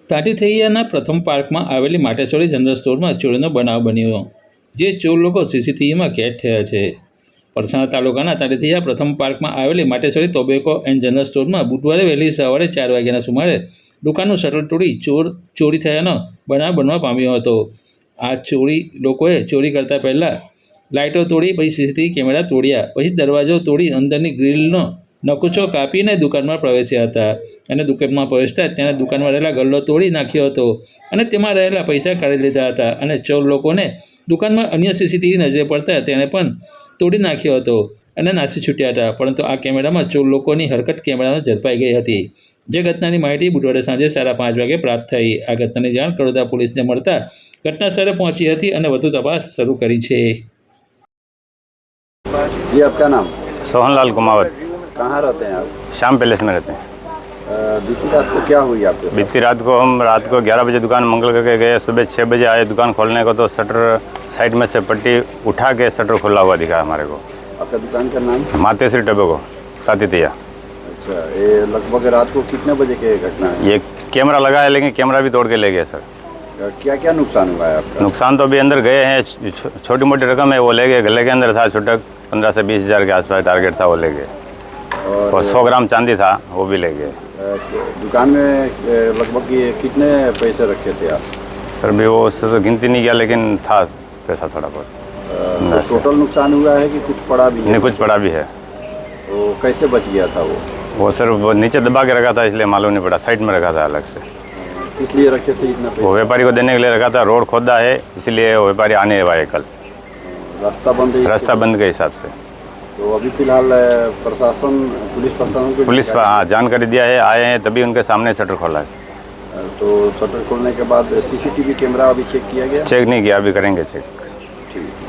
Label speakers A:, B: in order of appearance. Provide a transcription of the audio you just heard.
A: તાટીથૈયાના પ્રથમ પાર્કમાં આવેલી માટેશ્વરી જનરલ સ્ટોરમાં ચોરીનો બનાવ બન્યો, જે ચોર લોકો સીસીટીવીમાં કેદ થયા છે. પલસાણા તાલુકાના તાટીથૈયા પ્રથમ પાર્કમાં આવેલી માટેશ્વરી ટોબેકો એન્ડ જનરલ સ્ટોરમાં બુધવારે વહેલી સવારે 4 વાગ્યાના સુમારે દુકાનનું શટર તોડી ચોરી થયાનો બનાવ બનવા પામ્યો હતો. આ લોકોએ ચોરી કરતા પહેલાં લાઇટો તોડી, પછી સીસીટીવી કેમેરા તોડ્યા, પછી દરવાજો તોડી અંદરની ગ્રીલનો નકુચો કાપીને દુકાનમાં પ્રવેશ્યા હતા અને દુકાનમાં પ્રવેશતા તેણે દુકાનમાં રહેલા ગલ્લો તોડી નાખ્યો હતો અને તેમાં રહેલા પૈસા કાઢી લીધા હતા અને ચોર લોકોને દુકાનમાં અન્ય સીસીટીવી નજરે પડતા તેણે પણ તોડી નાખ્યો હતો અને નાસી છૂટ્યા હતા. પરંતુ આ કેમેરામાં ચોર લોકોની હરકત કેમેરામાં ઝડપાઈ ગઈ હતી. જે ઘટનાની માહિતી બુધવારે સાંજે 5:30 વાગે પ્રાપ્ત થઈ. આ ઘટનાની જાણ કડોદરા પોલીસને મળતા ઘટના સ્થળે પહોંચી હતી અને વધુ તપાસ શરૂ કરી છે.
B: जी, आपका नाम?
C: सोहनलाल कुमावत।
B: कहाँ रहते हैं आप?
C: श्याम पैलेस में रहते हैं।
B: बीती रात को क्या हुई आपके साथ?
C: बीती रात को हम रात को 11 बजे दुकान मंगल करके गए, सुबह 6 बजे आए दुकान खोलने को, तो शटर साइड में से पट्टी उठा के शटर खुला हुआ दिखा हमारे को।
B: आपका दुकान का नाम?
C: मातेश्वरी टोबैको तातीथैया।
B: अच्छा, ये लगभग रात को कितने बजे की घटना है?
C: ये कैमरा लगा है, लेकिन कैमरा भी तोड़ के ले गए सर।
B: क्या क्या नुकसान हुआ है आपका?
C: नुकसान तो अभी अंदर गए हैं, छोटी मोटी रकम है वो ले गए, गले के अंदर था छुटक 15 से 20 हज़ार के आसपास टारगेट था, वो ले गए। और 100 ग्राम चांदी था, वो भी ले गए।
B: दुकान में लगभग ये कितने पैसे रखे थे आप?
C: सर भी वो उससे तो गिनती नहीं किया, लेकिन था पैसा थोड़ा बहुत।
B: तो टोटल नुकसान हुआ है कि कुछ पड़ा भी है?
C: नहीं, कुछ पड़ा भी है।
B: तो कैसे बच गया था वो?
C: सर वो नीचे दबा के रखा था, इसलिए मालूम नहीं पड़ा, साइड में रखा था अलग से।
B: इसलिए रखे थे इतना पैसा?
C: वो व्यापारी को देने के लिए रखा था, रोड खोदा है इसलिए वो व्यापारी आने वाले कल।
B: रास्ता बंद है?
C: रास्ता बंद के हिसाब से।
B: तो अभी फिलहाल प्रशासन, पुलिस प्रशासन को
C: पुलिस पर हाँ जानकारी दिया है, आए हैं तभी उनके सामने शटर खोला है।
B: तो शटर खोलने के बाद सीसीटीवी कैमरा अभी चेक किया गया?
C: चेक नहीं किया, अभी करेंगे चेक।
B: ठीक।